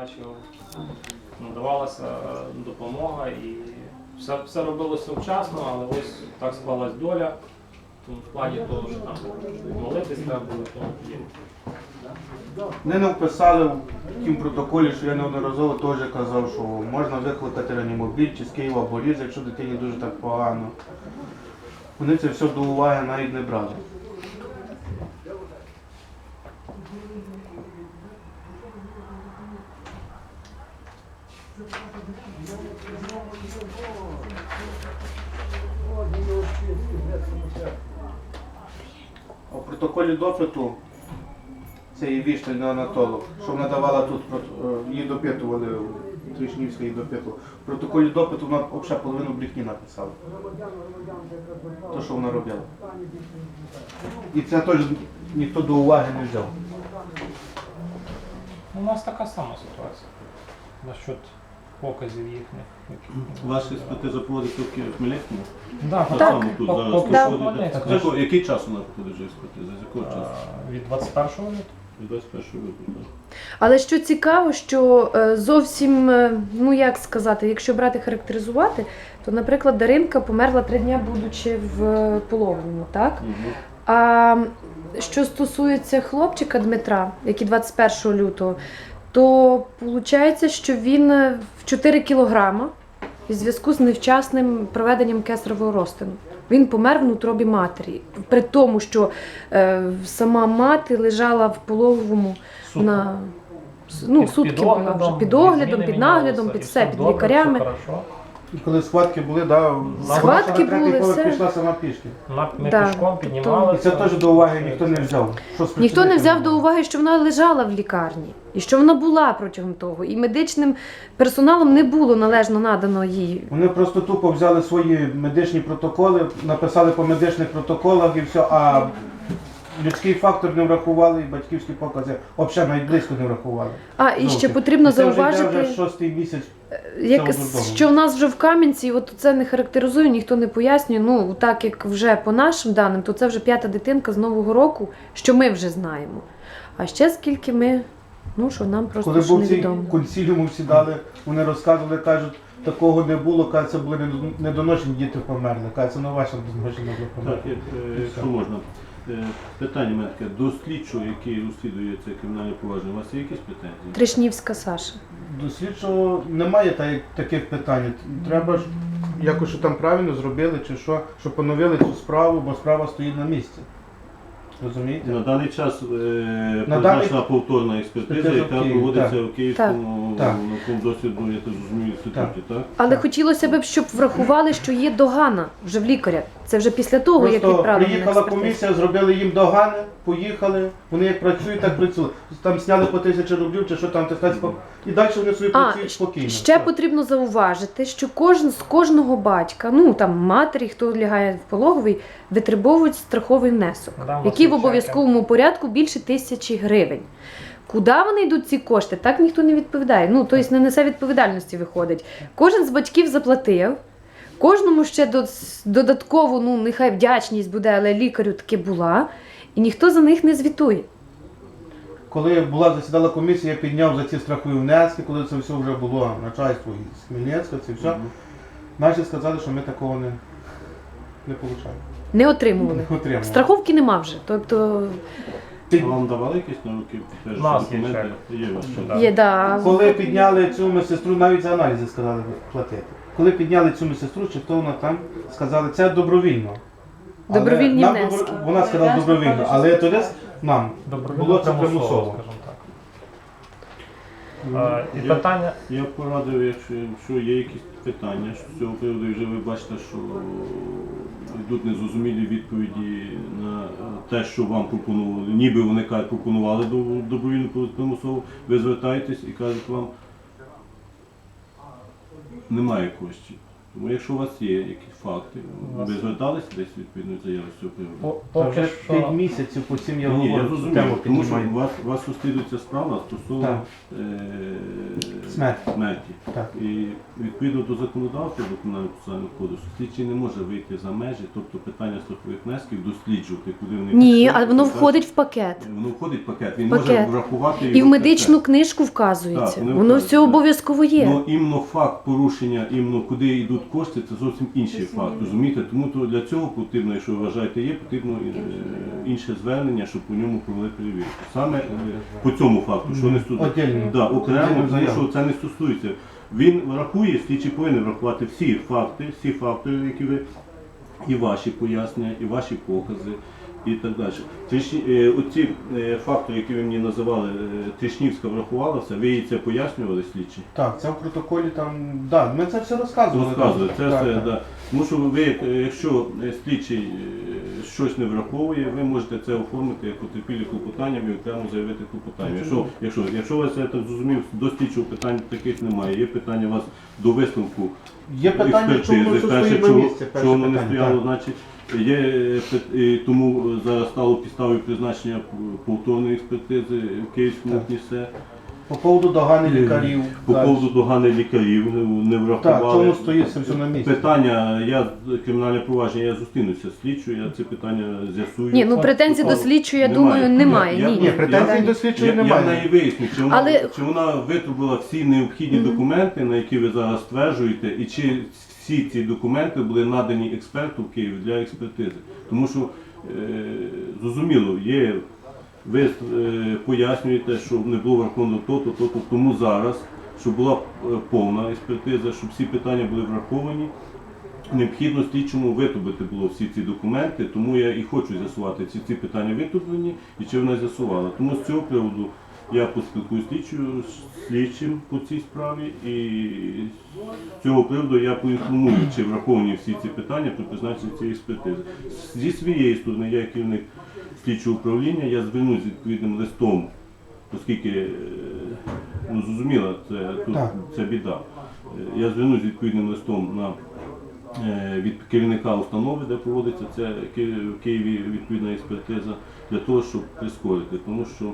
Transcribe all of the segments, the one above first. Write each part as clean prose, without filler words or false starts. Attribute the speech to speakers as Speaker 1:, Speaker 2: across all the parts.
Speaker 1: Надавалася допомога і все робилося вчасно, але ось так склалась доля. В плані того, що там молитись треба було, то
Speaker 2: Вони не вписали в тім протоколі, що я неодноразово теж казав, що можна викликати реанімобіль чи з Києва Боріз, якщо дитині дуже так погано. Вони це все до уваги навіть не брали. А в протоколі допиту це є вічний неонатолог, що вона давала тут, її допитували, Тришнівська її допитувала. В протоколі допиту вона взагалі половину брехні написала. Те, що вона робила. І це теж ніхто до уваги не взяв.
Speaker 1: у нас така сама ситуація насчет показів їхніх.
Speaker 3: Ваші експертиза проводиться в Хмельницькому?
Speaker 1: Так,
Speaker 3: Так само тут зараз проходить. Який час вона проходить вже експертиза? З якого часу?
Speaker 1: Від 21-го лютого.
Speaker 3: Від 21 лютого.
Speaker 4: Але що цікаво, що зовсім, ну як сказати, якщо брати характеризувати, то, наприклад, Даринка померла 3 дні, будучи в пологовому, так? А що стосується хлопчика Дмитра, який 21 лютого, то виходить, що він в 4 кілограма в зв'язку з невчасним проведенням кесаревого розтину. Він помер в утробі матері. При тому, що сама мати лежала в пологовому на сутки була вже під оглядом, під наглядом, під все, під лікарями.
Speaker 2: І коли схватки були, да,
Speaker 4: Схватки
Speaker 2: вона на
Speaker 4: були,
Speaker 2: третій поверх
Speaker 4: все.
Speaker 2: пішла сама пішки.
Speaker 1: Ми
Speaker 4: Да,
Speaker 1: пішком
Speaker 2: І
Speaker 1: піднімалися.
Speaker 2: це теж до уваги ніхто не взяв. Що
Speaker 4: Ніхто не взяв до уваги, що вона лежала в лікарні. І що вона була протягом того. І медичним персоналом не було належно надано їй.
Speaker 2: Вони просто тупо взяли свої медичні протоколи, написали по медичних протоколах і все, а людський фактор не врахували і батьківські покази взагалі навіть близько не врахували.
Speaker 4: І ще
Speaker 2: Зовсім.
Speaker 4: потрібно
Speaker 2: І це вже йде
Speaker 4: зауважити,
Speaker 2: вже 6-й місяць.
Speaker 4: що в нас вже в Кам'янці, от це не характеризує, ніхто не пояснює. Ну, так як вже по нашим даним, то це вже 5-та дитинка з Нового року, що ми вже знаємо. А ще скільки ми, що нам просто
Speaker 2: Коли
Speaker 4: ж
Speaker 2: був цей
Speaker 4: невідомо.
Speaker 2: консиліум, всі дали, вони розказували, кажуть, такого не було, кажуть, це були недоношені діти померли. Кажуть, це не ваше недоношені були
Speaker 3: Так,
Speaker 2: померли.
Speaker 3: якщо можна. Питання в мене таке. До слідчого, який розслідує це кримінальне провадження, у вас є якісь претензії?
Speaker 4: Тришнівська Саша.
Speaker 2: До слідчого немає таких питань. Треба ж якось, що там правильно зробили, чи що, щоб поновили цю справу, бо справа стоїть на місці. Розумієте?
Speaker 3: На даний час
Speaker 2: На
Speaker 3: призначена повторна експертиза,
Speaker 2: Експертиза в
Speaker 3: яка
Speaker 2: Києві,
Speaker 3: проводиться
Speaker 2: так.
Speaker 3: в Київському
Speaker 2: Так.
Speaker 3: науковому дослідному, я так зрозумів, інституті, так?
Speaker 4: Але хотілося б, щоб врахували, що є догана вже в лікаря. Це вже після того, як
Speaker 2: Просто
Speaker 4: відправили на
Speaker 2: приїхала
Speaker 4: експертизу.
Speaker 2: комісія, зробили їм догани, поїхали, вони як працюють, так працюють. Там сняли по 1000 рублів, чи що там, і далі вони собі працюють спокійно.
Speaker 4: Ще потрібно зауважити, що з кожного батька, там матері, хто лягає в пологовий, витребовують страховий внесок, який в обов'язковому порядку більше 1000 гривень. Куди вони йдуть ці кошти, так ніхто не відповідає. Тобто не несе відповідальності виходить. Кожен з батьків заплатив, кожному ще додатково, нехай вдячність буде, але лікарю таки була, і ніхто за них не звітує.
Speaker 2: Коли засідала комісія, я підняв за ці страхові внески, коли це все вже було начальство з Хмельницька, це все. Наші сказали, що ми такого не отримали.
Speaker 4: Не отримували.
Speaker 2: Не отримали.
Speaker 4: Страховки нема вже. Тобто
Speaker 3: А вам давали якісь на руки підтверджуючі документи? Є у вас ще?
Speaker 4: є, да.
Speaker 2: Коли підняли цю медсестру, навіть за аналізи сказали платити. Коли підняли цю медсестру, чи хто вона там, сказали, це добровільно. Але
Speaker 4: Добровільні
Speaker 2: нам
Speaker 4: внески.
Speaker 2: Вона сказала добровільно, але тоді нам було це примусово.
Speaker 1: скажімо так. І питання...
Speaker 3: Я порадив, якщо є якісь питання з цього приводу, і вже ви бачите, що йдуть незрозумілі відповіді на те, що вам пропонували, ніби вони кажуть, пропонували добровільно примусово, ви звертаєтесь і кажуть вам, немає коштів. Тому якщо у вас є якісь факти, ви зверталися десь відповідно заяви з цього приводу?
Speaker 2: Це вже 5 місяців, по цим я
Speaker 3: Ні, я
Speaker 2: говорю,
Speaker 3: зрозумів,
Speaker 2: тему
Speaker 3: тому що
Speaker 2: піднімаю.
Speaker 3: у вас розслідується справа стосовно
Speaker 2: Смерті. Так.
Speaker 3: І відповідно до законодавства, до Кримінального процесуального кодексу, слідчий не може вийти за межі, тобто питання страхових внесків досліджувати, куди вони
Speaker 4: Ні,
Speaker 3: пішли,
Speaker 4: а воно
Speaker 3: так,
Speaker 4: входить в пакет.
Speaker 3: Воно входить в пакет, він
Speaker 4: Пакет.
Speaker 3: може врахувати
Speaker 4: І в
Speaker 3: його
Speaker 4: медичну
Speaker 3: пакет.
Speaker 4: книжку вказується.
Speaker 3: Так, вони
Speaker 4: Воно
Speaker 3: вказують,
Speaker 4: все
Speaker 3: так.
Speaker 4: обов'язково є.
Speaker 3: Ну, іменно факт порушення, іменно куди йдуть кошти, це зовсім інший факт, розумієте? Тому то для цього потрібно, якщо ви вважаєте є, потрібно інше звернення, щоб по ньому провели перевірку. Саме по цьому факту, що не стосується.
Speaker 2: Отдельно.
Speaker 3: Да, окремо,
Speaker 2: Отдельну
Speaker 3: тому
Speaker 2: заяву.
Speaker 3: що це не стосується. Він врахує, слідчий повинен врахувати всі фактори, які ви, і ваші пояснення, і ваші покази, і так далі. Оці фактори, які ви мені називали, Тришнівська врахувала все, ви їй це пояснювали слідчі?
Speaker 2: Так, це в протоколі там, да, ми це все розказували.
Speaker 3: Розказує, це
Speaker 2: Так,
Speaker 3: все,
Speaker 2: так.
Speaker 3: да. Тому що ви, якщо слідчий щось не враховує, ви можете це оформити як потерпілі клопотанням і окремо заявити клопотання. Якщо у вас, я так зрозумів, до слідчого питань таких немає, є питання у вас до висновку
Speaker 2: Є питання, чому воно
Speaker 3: експертизи,
Speaker 2: стоїть на місці, перше
Speaker 3: чому воно не
Speaker 2: питання,
Speaker 3: стояло,
Speaker 2: так.
Speaker 3: значить, і тому зараз стало підставою призначення повторної експертизи в Київському
Speaker 2: Так.
Speaker 3: КНІСЕ.
Speaker 2: По поводу догани лікарів.
Speaker 3: По
Speaker 2: так.
Speaker 3: поводу догани лікарів не
Speaker 2: Так,
Speaker 3: врахували.
Speaker 2: чому стоїть це все на місці?
Speaker 3: Питання, кримінальне провадження, я зустрінуся з слідчою, я це питання з'ясую.
Speaker 4: Ні, ну претензій до слідчої, я думаю, немає. Ні.
Speaker 2: Ні, претензій до слідчої
Speaker 3: Я
Speaker 2: немає.
Speaker 3: в неї виясню,
Speaker 4: Але-
Speaker 3: чи вона витрубила всі необхідні документи, на які ви зараз стверджуєте, і чи всі ці документи були надані експерту в Києві для експертизи. Тому що, зрозуміло, ви пояснюєте, що не було враховано то, тому зараз, щоб була повна експертиза, щоб всі питання були враховані, необхідно слідчому витрубити було всі ці документи, тому я і хочу з'ясувати, чи ці питання витрублені і чи вона з'ясувала. Тому з цього приводу я поспілкуюся з слідчим по цій справі і з цього приводу я поінформую, чи враховані всі ці питання при призначенні цієї експертизи. Зі своєї сторони, я як керівник слідчого управління, я звернусь з відповідним листом, оскільки, ну зрозуміло, це біда. Я звернусь з відповідним листом від керівника установи, де проводиться це в Києві відповідна експертиза, для того, щоб прискорити, тому що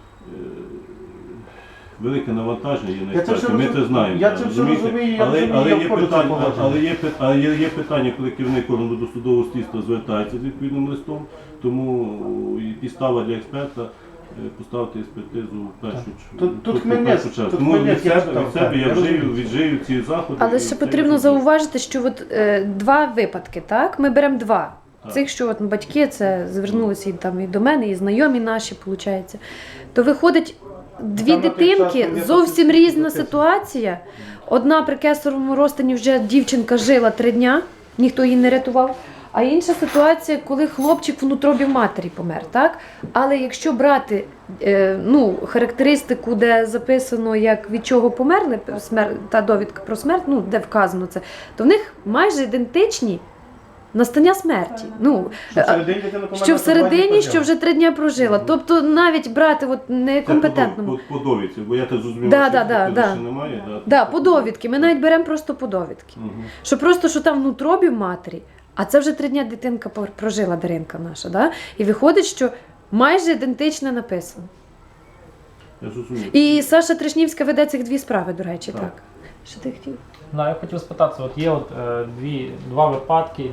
Speaker 3: велике навантаження є на експерти, ми це знаємо.
Speaker 2: Я це все
Speaker 3: розумієте?
Speaker 2: розумію, я
Speaker 3: Але
Speaker 2: розумію,
Speaker 3: є
Speaker 2: я входжу в це
Speaker 3: питання,
Speaker 2: положення.
Speaker 3: але є питання, коли керівник органу досудового слідства звертається з відповідним листом, тому і підстава для експерта поставити експертизу в першу чергу. Тому від себе я віджию ці заходи.
Speaker 4: Але
Speaker 3: і
Speaker 4: ще
Speaker 3: це
Speaker 4: потрібно
Speaker 3: я зроблю.
Speaker 4: зауважити, що от, два випадки, так? Ми беремо два.
Speaker 3: Так.
Speaker 4: Цих, що от батьки це звернулися і, там, і до мене, і знайомі наші, виходить. То виходить, дві
Speaker 2: Там на той час
Speaker 4: дитинки,
Speaker 2: там є
Speaker 4: зовсім
Speaker 2: такі
Speaker 4: різна
Speaker 2: записки.
Speaker 4: ситуація. Одна при кесаревому розтині вже дівчинка жила 3 дня, ніхто її не рятував. А інша ситуація, коли хлопчик в утробі матері помер, так? Але якщо брати характеристику, де записано, як від чого померли, та довідка про смерть, де вказано це, то в них майже ідентичні настання смерті. Що всередині, що вже 3 дня прожила. Тобто навіть брати некомпетентному.
Speaker 3: По довідці, бо я так зрозумів,
Speaker 4: Да,
Speaker 3: що
Speaker 4: да.
Speaker 3: ще немає.
Speaker 4: Да, по довідки. Ми навіть беремо просто по довідки.
Speaker 3: Мгм.
Speaker 4: Що там в утробі матері, а це вже 3 дня дитинка прожила, Даринка наша. Да? І виходить, що майже ідентично написано.
Speaker 3: Я зрозумів.
Speaker 4: І Саша Тришнівська веде цих 2 справи, до речі,
Speaker 3: Так.
Speaker 4: так. Що ти хотів?
Speaker 1: Я хотів спитатися, от є два випадки,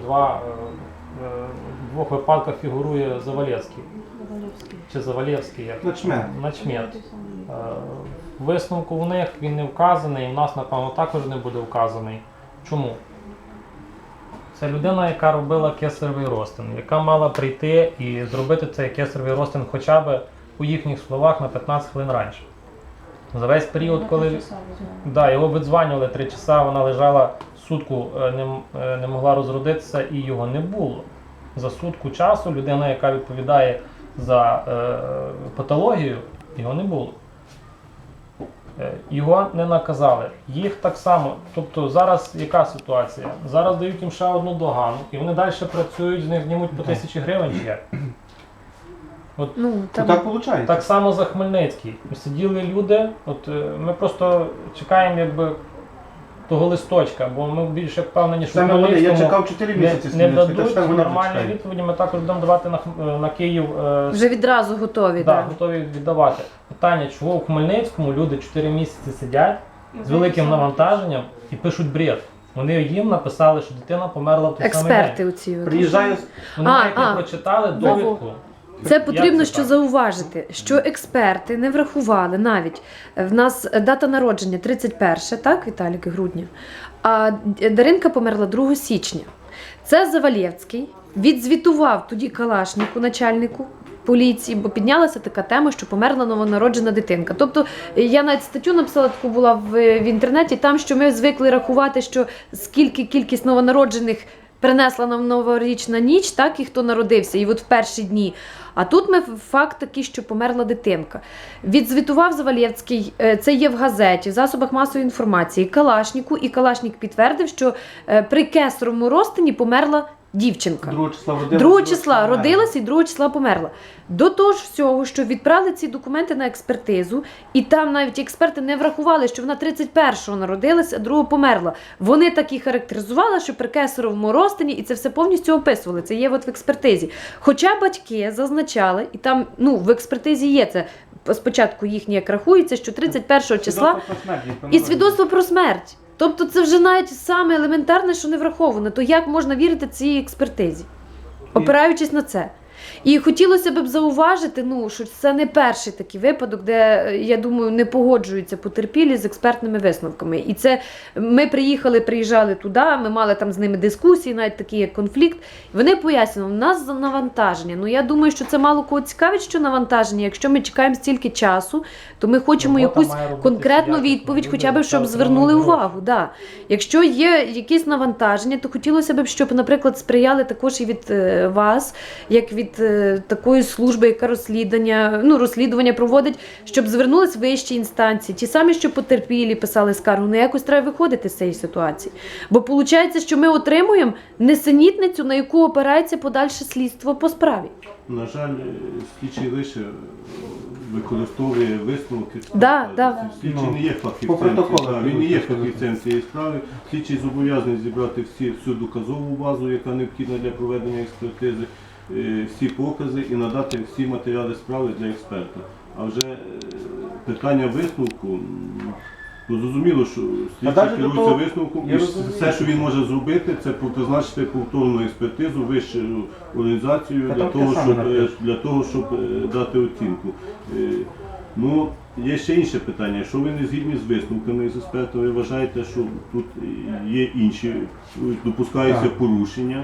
Speaker 1: в 2 випадках фігурує Завалєвський. Чи Завалєвський, як? Начмет. В висновку в них він не вказаний, і в нас, напевно, також не буде вказаний. Чому? Це людина, яка робила кесаревий розтин, яка мала прийти і зробити цей кесаревий розтин хоча б, по їхніх словах, на 15 хвилин раніше. За весь період, коли його видзванювали 3 часа, вона лежала сутку, не могла розродитися і його не було. За сутку часу людина, яка відповідає за патологію, його не було. Його не наказали. Їх так само. Тобто зараз яка ситуація? Зараз дають їм ще одну догану, і вони далі працюють, з них знімуть по 1000 гривень чи як?
Speaker 2: Так виходить.
Speaker 1: Так само за Хмельницький. Сиділи люди, ми просто чекаємо того листочка, бо ми більше впевнені, що
Speaker 2: Саме вони, я
Speaker 1: Хмельницькому
Speaker 2: чекав 4 місяці.
Speaker 1: не дадуть нормальні відповіді, ми також будемо давати на Київ.
Speaker 4: Вже відразу готові.
Speaker 1: Готові віддавати. Питання, чого у Хмельницькому люди 4 місяці сидять, з великим навантаженням і пишуть бред. Вони їм написали, що дитина померла в той самий
Speaker 4: Експерти
Speaker 1: день.
Speaker 4: оці. от.
Speaker 2: Приїжджає,
Speaker 1: Вони навіть не прочитали довідку.
Speaker 4: Це потрібно
Speaker 1: Як
Speaker 4: що
Speaker 1: так?
Speaker 4: зауважити, що експерти не врахували навіть. В нас дата народження 31, так, Віталік, грудня, а Даринка померла 2 січня. Це Завалєвський відзвітував тоді Калашніку, начальнику поліції, бо піднялася така тема, що померла новонароджена дитинка. Тобто я навіть статтю написала, таку була в інтернеті, там, що ми звикли рахувати, що скільки кількість новонароджених принесла нам новорічна ніч, так, і хто народився, і от в перші дні. А тут ми факт такий, що померла дитинка. Відзвітував Завалєвський, це є в газеті, в засобах масової інформації, Калашніку, і Калашнік підтвердив, що при кесаревому розтині померла дівчинка.
Speaker 2: 2 числа родилася.
Speaker 4: 2 числа родилася і 2 числа померла. До того ж всього, що відправили ці документи на експертизу, і там навіть експерти не врахували, що вона 31-го народилася, а 2-го померла. Вони так і характеризували, що при кесаревому розтині, і це все повністю описували. Це є от в експертизі. Хоча батьки зазначали, і там в експертизі є це, спочатку їхнє як рахується, що 31-го числа і свідоцтво про смерть. Тобто це вже навіть саме елементарне, що не враховано. То як можна вірити цій експертизі, опираючись на це? І хотілося б зауважити, що це не перший такий випадок, де, я думаю, не погоджуються потерпілі з експертними висновками. І це ми приїжджали туди, ми мали там з ними дискусії, навіть такий як конфлікт. Вони пояснювали, у нас навантаження. Я думаю, що це мало кого цікавить, що навантаження. Якщо ми чекаємо стільки часу, то ми хочемо
Speaker 1: Робота
Speaker 4: якусь
Speaker 1: має робити
Speaker 4: конкретну
Speaker 1: якісно.
Speaker 4: відповідь,
Speaker 1: Люди
Speaker 4: хоча б, щоб
Speaker 1: витрачають
Speaker 4: звернули
Speaker 1: гроші.
Speaker 4: увагу. Да. Якщо є якісь навантаження, то хотілося б, щоб, наприклад, сприяли також і від вас, як від такої служби, яка розслідування проводить, щоб звернулись вищі інстанції. Ті самі, що потерпілі писали скаргу, якось треба виходити з цієї ситуації. Бо виходить, що ми отримуємо несенітницю, на яку опирається подальше слідство по справі.
Speaker 3: На жаль, слідчий лише використовує висновки.
Speaker 4: Да.
Speaker 3: Слідчий не є
Speaker 2: По
Speaker 3: фахівцем.
Speaker 2: протоколу.
Speaker 3: Він не є фахівцем цієї справи. Слідчий зобов'язаний зібрати всю доказову базу, яка необхідна для проведення експертизи, всі покази і надати всі матеріали справи для експерта. А вже питання висновку, зрозуміло, що слідчий
Speaker 2: навіть до
Speaker 3: керується
Speaker 2: того,
Speaker 3: висновком,
Speaker 2: я
Speaker 3: і
Speaker 2: розумію.
Speaker 3: все, що він може зробити, це призначити повторну експертизу, вищу організацію
Speaker 2: Та
Speaker 3: для
Speaker 2: там
Speaker 3: того,
Speaker 2: те саме
Speaker 3: для того, щоб дати оцінку. Є ще інше питання. Якщо ви не згідні з висновками з експертами, ви вважаєте, що тут є інші, допускаються
Speaker 2: Так.
Speaker 3: порушення.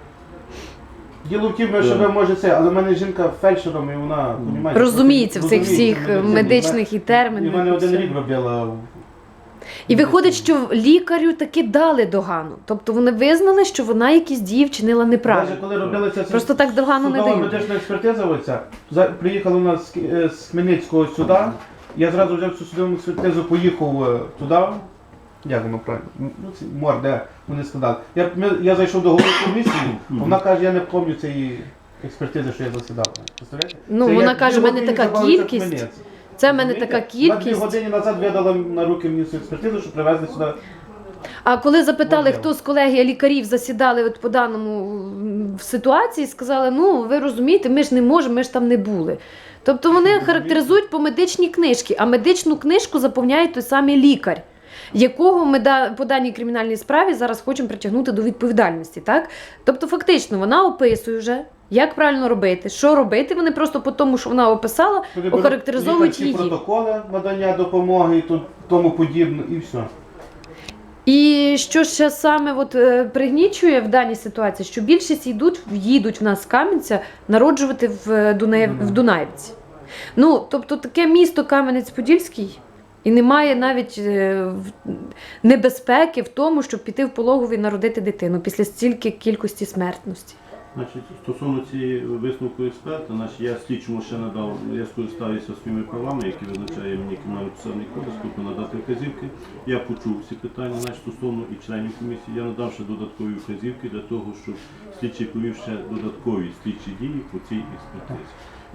Speaker 2: Діло в тім, що ви може це, але в мене жінка фельдшером, і вона, понімаєте,
Speaker 4: Розуміється в цих
Speaker 2: розуміється
Speaker 4: всіх
Speaker 2: в медицині.
Speaker 4: медичних і
Speaker 2: І в
Speaker 4: термінах.
Speaker 2: мене
Speaker 4: і
Speaker 2: один
Speaker 4: все.
Speaker 2: рік робила.
Speaker 4: І виходить, що лікарю таки дали догану. Тобто вони визнали, що вона якісь дії вчинила
Speaker 2: Навіть
Speaker 4: неправильно.
Speaker 2: коли робилася
Speaker 4: Просто так догану не
Speaker 2: судова
Speaker 4: дають.
Speaker 2: медична експертиза, оця, приїхали у нас з Хмельницького сюди, я зразу взяв цю судову експертизу, поїхав туди, як воно правильно, мор, де вони складали. Я зайшов до голови комісії, вона каже, я не пам'ятаю цієї експертизи, що я засідав. Представляєте?
Speaker 4: Ну,
Speaker 2: Це
Speaker 4: вона
Speaker 2: як
Speaker 4: каже, в
Speaker 2: 2
Speaker 4: мене
Speaker 2: години
Speaker 4: така
Speaker 2: забавився
Speaker 4: кількість.
Speaker 2: Хмельницький.
Speaker 4: Це в мене така
Speaker 2: Розумієте? На 2
Speaker 4: кількість.
Speaker 2: години назад видала на руки мені цю експертизу, що привезли сюди.
Speaker 4: А коли запитали,
Speaker 2: Можливо.
Speaker 4: хто з колегії лікарів засідали от по даному в ситуації, сказали, ви розумієте, ми ж не можемо, ми ж там не були. Тобто вони характеризують по медичній книжці, а медичну книжку заповняє той самий лікар, якого ми по даній кримінальній справі зараз хочемо притягнути до відповідальності. Так? Тобто фактично вона описує вже, як правильно робити, що робити, вони просто по тому, що вона описала, охарактеризовують її.
Speaker 2: Протоколи надання допомоги і тому подібне, і все.
Speaker 4: І що ще саме пригнічує в даній ситуації, що більшість їдуть в нас з Кам'янця народжувати в Дунаївці. Тобто таке місто Кам'янець-Подільський, і немає навіть небезпеки в тому, щоб піти в пологові і народити дитину після стільки кількості смертності.
Speaker 3: Стосовно цієї висновку експерта, я слідчому ще надав, я скористався своїми правами, які визначає мені Кримінально-процесуальний кодекс, тобто надати вказівки. Я почув всі питання стосовно і членів комісії. Я надав ще додаткові вказівки для того, щоб слідчий провів ще додаткові слідчі дії по цій експертизі.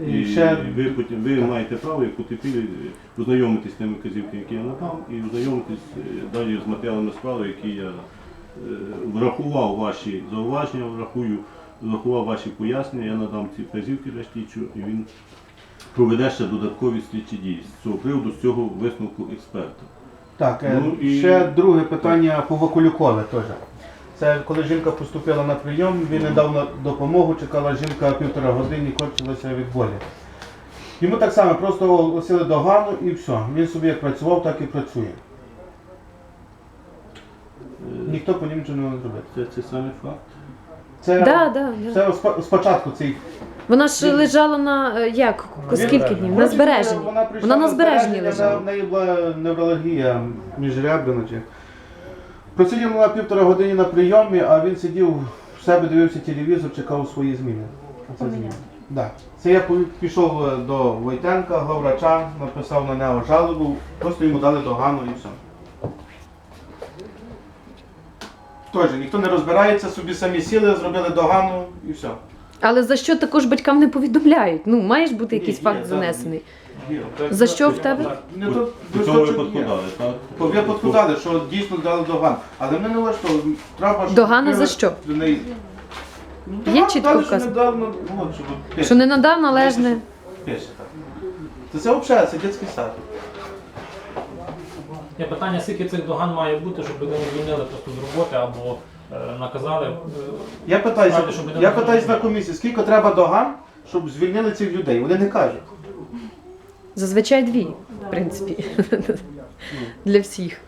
Speaker 3: І ви маєте право, як потерпілі, ознайомитись з тими вказівками, які я надав, і ознайомитись далі з матеріалами справи, які я врахував ваші зауваження, врахував ваші пояснення, я надам ці вказівки для слідчого, і він проведе ще додаткові слідчі дії з цього приводу, з цього висновку експерта.
Speaker 2: Так,
Speaker 3: Ну, і-
Speaker 2: ще друге питання по Вакулюкове теж. Це коли жінка поступила на прийом, він не дав допомогу, чекала жінка 1,5 години, корчилася від болі. Йому так само просто оголосили догану і все. Він собі як працював, так і працює. Ніхто по ним нічого не може зробити.
Speaker 3: Це саме факт.
Speaker 2: Це,
Speaker 4: Да.
Speaker 2: це спочатку цей.
Speaker 4: Вона ж лежала на як? Скільки днів? На збереженні. Вона на збереженні лежала.
Speaker 2: В неї була невралгія міжребряна. Просиділа на 1,5 години на прийомі, а він сидів в себе, дивився телевізор, чекав свої зміни. Оце зміни. Да. Це я пішов до Войтенка, главврача, написав на нього жалобу, просто йому дали догану і все. Тож, ніхто не розбирається, собі самі сіли, зробили догану і все.
Speaker 4: Але за що також батькам не повідомляють? Ну, маєш бути якийсь
Speaker 2: Ні,
Speaker 4: факт
Speaker 2: є,
Speaker 4: занесений.
Speaker 2: Є.
Speaker 4: За що в тебе?
Speaker 2: Не
Speaker 3: По
Speaker 2: то,
Speaker 3: по цьому випадку дали, так?
Speaker 2: По випадку дали, що дійсно дали догану. Але мене не влаштовує. Треба, щоб
Speaker 4: Догана за
Speaker 2: привести
Speaker 4: що?
Speaker 2: до неї. Ну,
Speaker 4: Є
Speaker 2: догана
Speaker 4: чітко
Speaker 2: дали, що
Speaker 4: вказано?
Speaker 2: недавно, ну, щоб пише.
Speaker 4: Що не надав належне.
Speaker 2: Пише так. Це взагалі, це дитячий сад.
Speaker 1: Є питання, скільки цих доган має бути, щоб людину звільнили просто з роботи або наказали.
Speaker 2: Я питаюся,
Speaker 1: Справді, щоб людина
Speaker 2: я
Speaker 1: не
Speaker 2: питаюсь на
Speaker 1: розуміла.
Speaker 2: комісії, скільки треба доган, щоб звільнили цих людей. Вони не кажуть.
Speaker 4: Зазвичай 2, в принципі. Для всіх.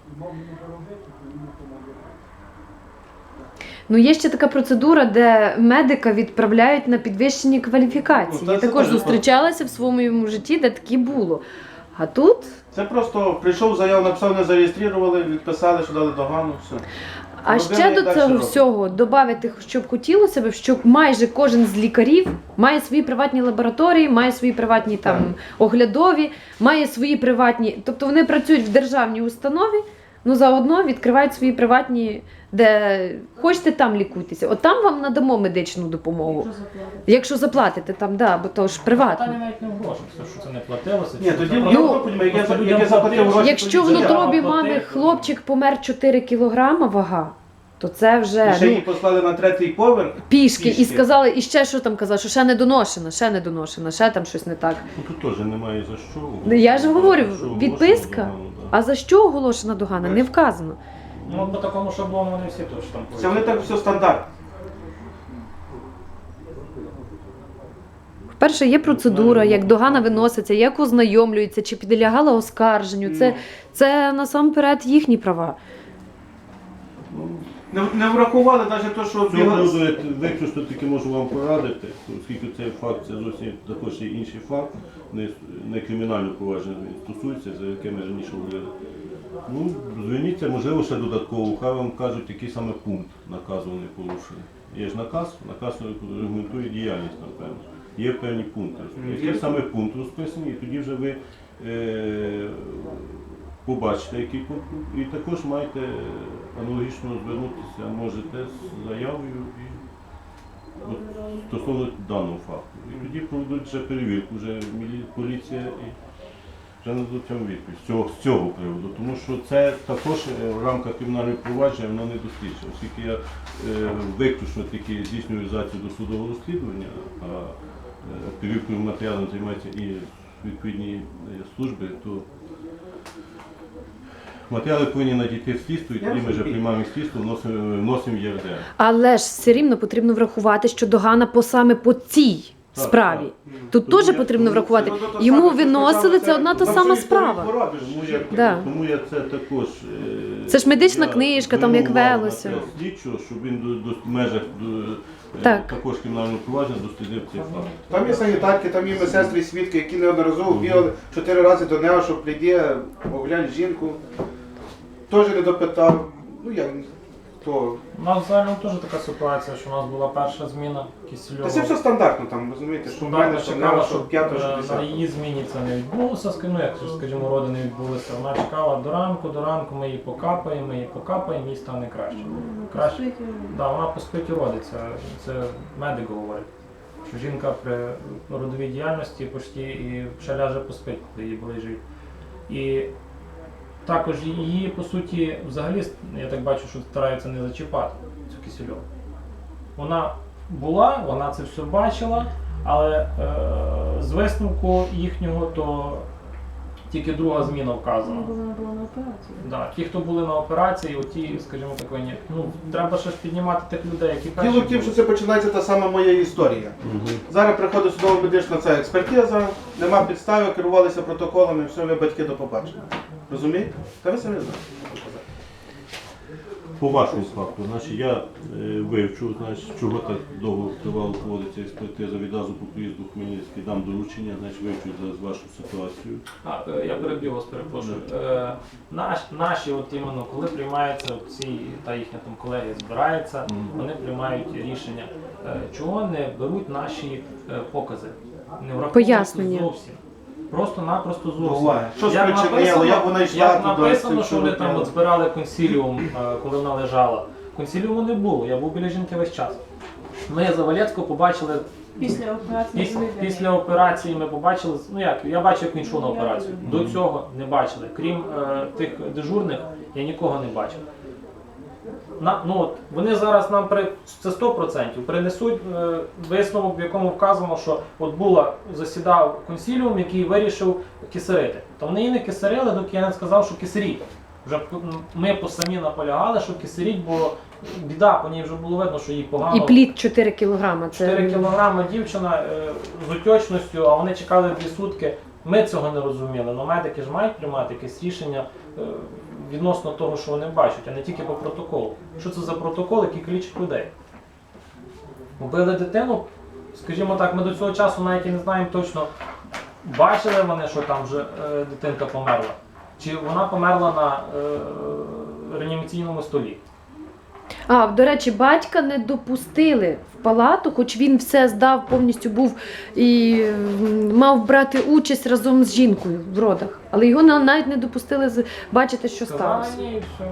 Speaker 4: Ну, є ще така процедура, де медика відправляють на підвищені кваліфікації.
Speaker 2: Ну, та
Speaker 4: Я
Speaker 2: це
Speaker 4: також
Speaker 2: теж
Speaker 4: зустрічалася в своєму житті, де таке було. А тут
Speaker 2: Це просто прийшов заяву, написав, не зареєстрували, відписали, що дали догану, все.
Speaker 4: А
Speaker 2: Родина
Speaker 4: ще
Speaker 2: і
Speaker 4: до
Speaker 2: далі
Speaker 4: цього
Speaker 2: робить.
Speaker 4: всього додати, щоб хотілося б, щоб майже кожен з лікарів має свої приватні лабораторії, має свої приватні там
Speaker 2: Так.
Speaker 4: оглядові, має свої приватні. Тобто вони працюють в державній установі, ну заодно відкривають свої приватні, де хочете, там лікуйтеся. От там вам надамо медичну допомогу. Якщо заплатите там, да, бо то ж
Speaker 1: Питання
Speaker 4: приватно.
Speaker 1: навіть не в грошах, що це не платилося.
Speaker 2: Ні,
Speaker 1: чи
Speaker 2: тоді
Speaker 1: це
Speaker 2: я
Speaker 1: просто-
Speaker 2: не розумію,
Speaker 1: просто
Speaker 2: як
Speaker 1: людям
Speaker 2: я заплатив
Speaker 1: платили.
Speaker 2: гроші.
Speaker 4: Якщо в
Speaker 2: тоді
Speaker 4: утробі
Speaker 1: заплатив.
Speaker 4: мами хлопчик помер 4 кілограма вага, то це
Speaker 2: І
Speaker 4: вже
Speaker 2: ще
Speaker 4: ну,
Speaker 2: її послали на 3-й поверх.
Speaker 4: пішки. І
Speaker 2: Пішки.
Speaker 4: сказали, і ще що там казали, що ще не доношена, ще там щось не так.
Speaker 3: Ну тут теж немає за що.
Speaker 4: Ну, я ж говорю,
Speaker 3: За що
Speaker 4: відписка.
Speaker 3: оголошено догану, да.
Speaker 4: А за що оголошена догана? Не вказано.
Speaker 1: Ну, по такому шаблону вони всі теж там.
Speaker 2: Це вони так все стандарт.
Speaker 4: Перше, є процедура, як догана виноситься, як ознайомлюється, чи підлягала оскарженню. Це насамперед їхні права.
Speaker 2: Не врахували навіть те, що
Speaker 3: З цього
Speaker 2: бігали.
Speaker 3: приводу я виключно тільки можу вам порадити, оскільки цей факт це зовсім також є інший факт, не кримінально провадження він стосується, за яке ми раніше говорили. Ну, зверніться, можливо, ще додатково, хай вам кажуть, який саме пункт наказу вони порушили. Є ж наказ регламентує діяльність, напевно. Є певні пункти. Який саме пункт розписаний, і тоді вже ви побачите, який пункт, і також маєте аналогічно звернутися, можете з заявою і от, стосовно даного факту. І тоді проведуть вже перевірку, вже поліція і вже нададуть цьому відповідь з цього приводу. Тому що це також в рамках кримінального провадження воно не досліджено, оскільки я виключно тільки здійснюю реалізацію досудового розслідування, а перевіркою матеріалом займаються і відповідні служби, то матеріали повинні надійти в слідство, і тоді ми вже приймаємо слідство, вносимо в ЄРДР.
Speaker 4: Але ж все рівно потрібно врахувати, що догана саме по цій
Speaker 3: Так,
Speaker 4: справі.
Speaker 3: так.
Speaker 4: Тут
Speaker 3: Тому
Speaker 4: теж
Speaker 3: я-
Speaker 4: потрібно
Speaker 3: тому
Speaker 4: врахувати.
Speaker 2: Це одно те
Speaker 4: Йому
Speaker 2: саме, що
Speaker 4: виносили,
Speaker 2: сказали,
Speaker 4: це одна та
Speaker 2: на
Speaker 4: сама
Speaker 2: всю історію
Speaker 4: справа.
Speaker 2: поробиш.
Speaker 4: Да.
Speaker 3: Тому я це також.
Speaker 4: Це ж медична
Speaker 3: я
Speaker 4: книжка, там як
Speaker 3: звернув увагу
Speaker 4: велося.
Speaker 3: на це слідчого, щоб він в межах
Speaker 4: Так.
Speaker 3: також кримінального провадження дослідив цей факт.
Speaker 2: Там є санітарки, там є медсестри, свідки, які неодноразово бігали 4 рази до нього, щоб прийди, оглянь жінку. Теж не допитав. Ну як, то.
Speaker 1: У нас взагалі теж така ситуація, що у нас була перша зміна Кисельова.
Speaker 2: Та це все стандартно там, розумієте, що в мене,
Speaker 1: Вона
Speaker 2: що в
Speaker 1: чекала,
Speaker 2: нього, що
Speaker 1: щоб
Speaker 2: 5, що
Speaker 1: на
Speaker 2: 10.
Speaker 1: її зміні це не відбулося, ну як скажімо, роди не відбулися. Вона чекала до ранку ми її покапаємо, їй стане краще. Краще. Да, вона по спиті родиться. Це медик говорить. Що жінка при родовій діяльності почти і ще ляже поспить, коли її ближить. І також її, по суті, взагалі, я так бачу, що стараються не зачіпати цю Кисельову. Вона була, вона це все бачила, але з висновку їхнього, то тільки друга зміна вказана.
Speaker 4: Вона була на операції.
Speaker 1: Да, ті, хто були на операції, оті, скажімо так, ну, треба ще ж піднімати тих людей, які перші
Speaker 2: Діло в тім,
Speaker 1: були.
Speaker 2: що це починається та сама моя історія. Зараз приходить судово-медична ця експертиза, нема підстави, керувалися протоколами, все, ви батьки до побачення. Розумієте? Та ви самі знаєте.
Speaker 3: По вашому факту, значить, я вивчу, значить, чого так довго тривало проводиться експертиза, відразу по приїзду в Хмельницький дам доручення, значить, вивчу зараз вашу ситуацію.
Speaker 1: Я переб'ю вас, перепрошую. Наші, от іменно, коли приймаються ці, та їхня там колегія збирається, вони приймають рішення, чого не беруть наші покази, не враховують
Speaker 4: Пояснення.
Speaker 1: зовсім. Просто-напросто зовсім.
Speaker 2: Буває. Що
Speaker 1: Як
Speaker 2: спричинило, як вона йшла
Speaker 1: як
Speaker 2: туди,
Speaker 1: написано,
Speaker 2: з
Speaker 1: що
Speaker 2: цим
Speaker 1: вони там
Speaker 2: робили.
Speaker 1: от збирали консиліум, коли вона лежала. Консиліуму не було, я був біля жінки весь час. Ми Завалецького побачили після операції ми побачили, ну як, я бачив, як він йшов на операцію. До цього не бачили. Крім тих дежурних, я нікого не бачив. Вони зараз нам це 100% принесуть висновок, в якому вказано, що от засідав консиліум, який вирішив кисарити. То вони її не кисарили, доки я не сказав, що кисаріть. Вже ми самі наполягали, що кисаріть, бо біда, по ній вже було видно, що їй погано.
Speaker 4: І плід 4 кілограма.
Speaker 1: 4 кілограми дівчина з отечністю, а вони чекали 2 сутки. Ми цього не розуміли, але медики ж мають приймати якесь рішення відносно того, що вони бачать, а не тільки по протоколу. Що це за протокол, який калічить людей? Убили дитину, скажімо так, ми до цього часу навіть і не знаємо точно, бачили вони, що там вже дитинка померла, чи вона померла на реанімаційному столі.
Speaker 4: До речі, батька не допустили в палату, хоч він все здав, повністю був і мав брати участь разом з жінкою в родах. Але його навіть не допустили бачити, що
Speaker 1: Сказали,
Speaker 4: сталося.
Speaker 1: ні, і все.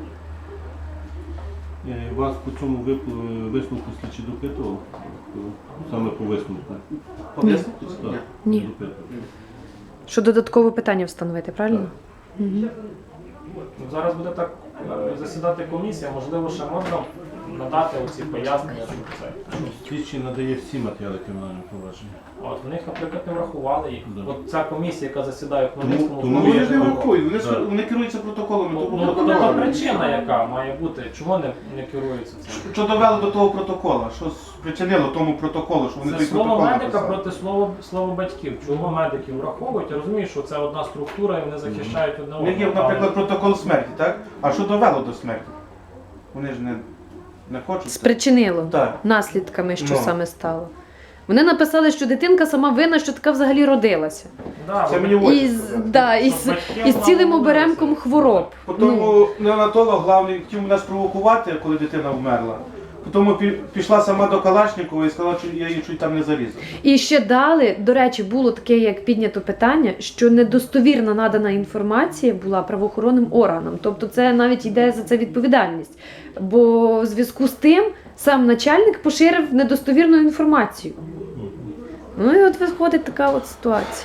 Speaker 3: Вас по цьому висновку слідчі допитував? Саме по висновку?
Speaker 2: Пояснити?
Speaker 3: Так,
Speaker 4: Ні.
Speaker 3: допитував.
Speaker 4: Що додаткове питання встановити, правильно? Мгм.
Speaker 1: Зараз буде так засідати комісія, можливо, ще можна надати оці пояснення, що це.
Speaker 3: Слідчий надає всі матеріали кримінального провадження.
Speaker 1: От, в них, наприклад, не врахували їх.
Speaker 3: Да.
Speaker 1: От ця комісія, яка засідає в Хмельницькому,
Speaker 3: Тому
Speaker 2: Ну вони ж не
Speaker 3: я-
Speaker 2: врахують,
Speaker 3: Так.
Speaker 2: вони керуються протоколами.
Speaker 1: Ну,
Speaker 2: тому
Speaker 1: то
Speaker 2: протоколами.
Speaker 1: причина, яка має бути, чого не керується цим?
Speaker 2: Що довело до того протоколу? Що спричинило тому протоколу, що вони
Speaker 1: Це
Speaker 2: той
Speaker 1: слово
Speaker 2: протокол
Speaker 1: медика
Speaker 2: написали?
Speaker 1: проти слова батьків. Чого медиків враховують? Я розумію, що це одна структура і вони захищають одне
Speaker 2: У них є,
Speaker 1: одного.
Speaker 2: наприклад, протокол смерті, так? А що довело до смерті? Вони ж не хочуть.
Speaker 4: Спричинило
Speaker 2: Так.
Speaker 4: наслідками, що
Speaker 2: Ну.
Speaker 4: саме стало. Вони написали, що дитинка сама винна, що така взагалі родилася.
Speaker 1: Да,
Speaker 2: Це
Speaker 1: вони-
Speaker 2: мені в очі
Speaker 4: І,
Speaker 2: сказали.
Speaker 4: і з цілим оберемком хвороб. Ну,
Speaker 2: Тому неонатолог главний хотів мене спровокувати, коли дитина вмерла. Тому пішла сама до Калашникова і сказала, що я її чуть там не зарізав.
Speaker 4: І ще дали, до речі, було таке, як піднято питання, що недостовірна надана інформація була правоохоронним органам. Тобто це навіть йде за це відповідальність. Бо в зв'язку з тим сам начальник поширив недостовірну інформацію. Ну і от виходить така от ситуація.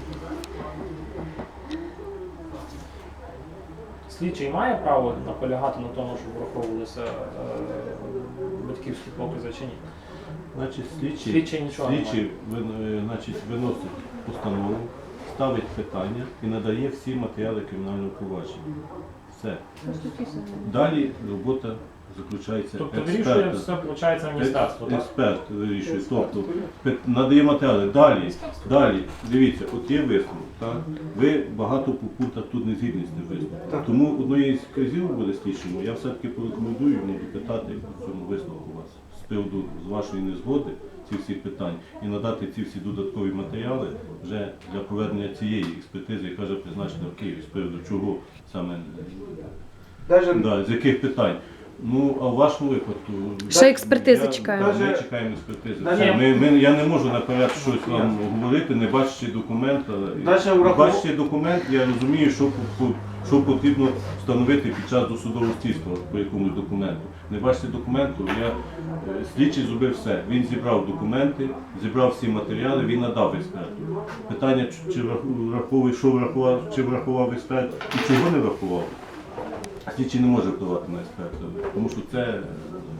Speaker 1: Слідчий має право наполягати на тому, щоб враховувалися батьківські покази чи ні?
Speaker 3: Значить,
Speaker 1: Слідчий нічого не
Speaker 3: слідчий виносить постанову, ставить питання і надає всі матеріали кримінального провадження. Все. Далі робота заключається
Speaker 1: Тобто вирішує
Speaker 3: експерта.
Speaker 1: все, виходить, міністерство, так?
Speaker 3: Експерт вирішує. Тобто надає матеріали. Далі, дивіться, от є висновок. Так? Ви багато по пунктах тут не згідні з тим висновком.
Speaker 2: Так.
Speaker 3: Тому одної з казів буде слідчому, я все-таки порекомендую йому допитати по цьому висновку вас з приводу з вашої незгоди ці всі питань і надати ці всі додаткові матеріали вже для проведення цієї експертизи, яка вже призначена в Києві, з приводу чого саме,
Speaker 2: Навіть
Speaker 3: з яких питань. Ну, а в вашому випадку...
Speaker 4: Ще експертизи чекаємо.
Speaker 3: Ми чекаємо експертизи.
Speaker 2: Навіть-
Speaker 3: Я не можу наперед щось вам говорити, не бачачи документ.
Speaker 2: Навіть
Speaker 3: Не бачачи документ, я розумію, що потрібно встановити під час досудового слідства по якомусь документу. Не бачите документу, слідчий зробив все. Він зібрав документи, зібрав всі матеріали, він надав експерту. Питання, чи враховує, що врахував, чи врахував експерт і чого не врахував. Слідчий не може впливати на експерта, тому що це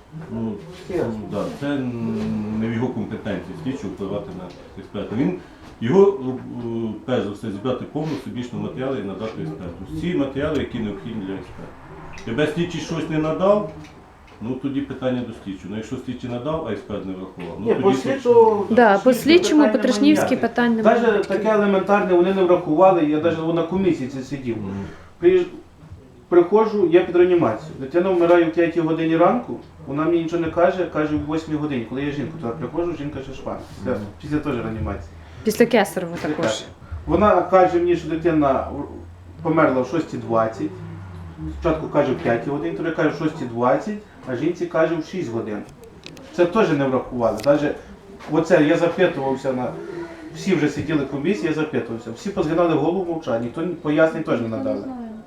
Speaker 3: Ну, да, це не в його компетенції слідчого впливати на експерта. Його, перш за все, зібрати повну всебічну матеріали і надати експерту. Всі матеріали, які необхідні для експерта. Тебе слідчий щось не надав, ну тоді питання до слідчого. Ну якщо слідчий надав, а експерт не врахував. Ну,
Speaker 2: Ні,
Speaker 3: тоді
Speaker 2: по
Speaker 3: слідчий-
Speaker 2: слідчому,
Speaker 4: Да, по слідчому,
Speaker 2: питань
Speaker 4: по
Speaker 2: немає
Speaker 4: Трешнівській
Speaker 2: ніяких.
Speaker 4: питань немає.
Speaker 2: Навіть таке елементарне вони не врахували, я навіть на комісії це сидів. Приходжу, я під реанімацію. Дитина вмирає в 5 годині ранку, вона мені нічого не каже, каже в 8 годині. Коли я жінку туди приходжу, жінка ще шпана. Після теж реанімації.
Speaker 4: Після Кесарева також.
Speaker 2: Вона каже мені, що дитина померла в 6:20. Спочатку каже в 5 годині, тоді каже в 6:20, а жінці каже в 6 годин. Це теж не врахували. Навіть оце я запитувався на. Всі вже сиділи в комісії, я запитувався. Всі позгинали голову мовчання, ніхто пояснень теж не надали.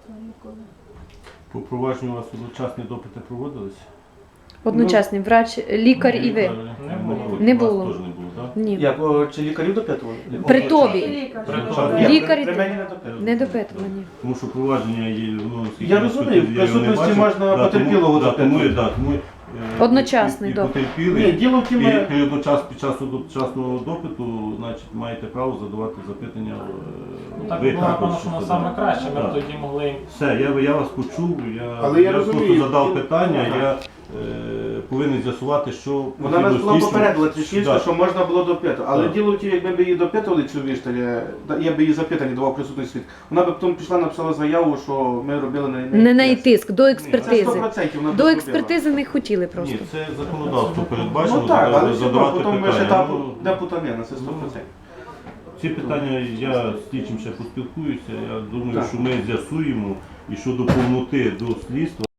Speaker 3: По провадженню у вас одночасні допити проводились?
Speaker 4: Одночасний врач, лікар і ви. Не було.
Speaker 3: У вас теж не було, так?
Speaker 4: Ні.
Speaker 2: Як чи лікарів допитували?
Speaker 4: При тобі.
Speaker 1: При
Speaker 4: Лікарі
Speaker 2: при
Speaker 4: то-
Speaker 2: мені не допитували.
Speaker 4: Не допитувані.
Speaker 3: Тому що провадження є, ну, скільки
Speaker 2: Я
Speaker 3: раз
Speaker 2: розумію,
Speaker 3: тут
Speaker 2: в
Speaker 3: я його не
Speaker 2: присутності
Speaker 3: бачив.
Speaker 2: можна
Speaker 3: Да,
Speaker 2: потерпілого
Speaker 3: тому- да, тому,
Speaker 2: допитувати.
Speaker 3: да, тому,
Speaker 4: Одночасний
Speaker 3: і
Speaker 4: допит.
Speaker 3: потерпілий,
Speaker 2: Ні, діло в тім,
Speaker 3: і одночасно під час одночасного допиту, значить, маєте право задавати запитання.
Speaker 1: Ну, так
Speaker 3: ви
Speaker 1: було, напевно,
Speaker 3: також
Speaker 1: що воно
Speaker 3: задавати.
Speaker 1: саме краще. Ми
Speaker 3: Так.
Speaker 1: б тоді могли їм.
Speaker 3: Все, я вас почув,
Speaker 2: Але я
Speaker 3: просто
Speaker 2: розумію,
Speaker 3: задав
Speaker 2: діло-
Speaker 3: питання,
Speaker 2: Ага.
Speaker 3: я повинен з'ясувати, що
Speaker 2: Вона
Speaker 3: потрібно
Speaker 2: нас була
Speaker 3: слідчому.
Speaker 2: попередила Тришнівська,
Speaker 3: Да.
Speaker 2: що можна було допитувати. Але
Speaker 3: Так.
Speaker 2: діло в тім, якби ми її допитували цю вішталь, я би її запитання давав присутній світ, вона б потім пішла, написала заяву, що ми робили на
Speaker 4: Не на
Speaker 2: тиск.
Speaker 4: тиск, до
Speaker 2: Це
Speaker 4: експертизи.
Speaker 2: 100% вона б
Speaker 4: До
Speaker 2: зробила.
Speaker 4: експертизи не хотіли просто.
Speaker 3: Ні, це законодавство передбачено,
Speaker 2: Ну так, але все одно,
Speaker 3: задавати
Speaker 2: потім ми ще
Speaker 3: питання.
Speaker 2: там,
Speaker 3: Ну,
Speaker 2: де путанина, це 100%.
Speaker 3: ці питання я з слідчим ще поспілкуюся. Я думаю,
Speaker 2: Так.
Speaker 3: що ми з'ясуємо і щодо повноти до слідства.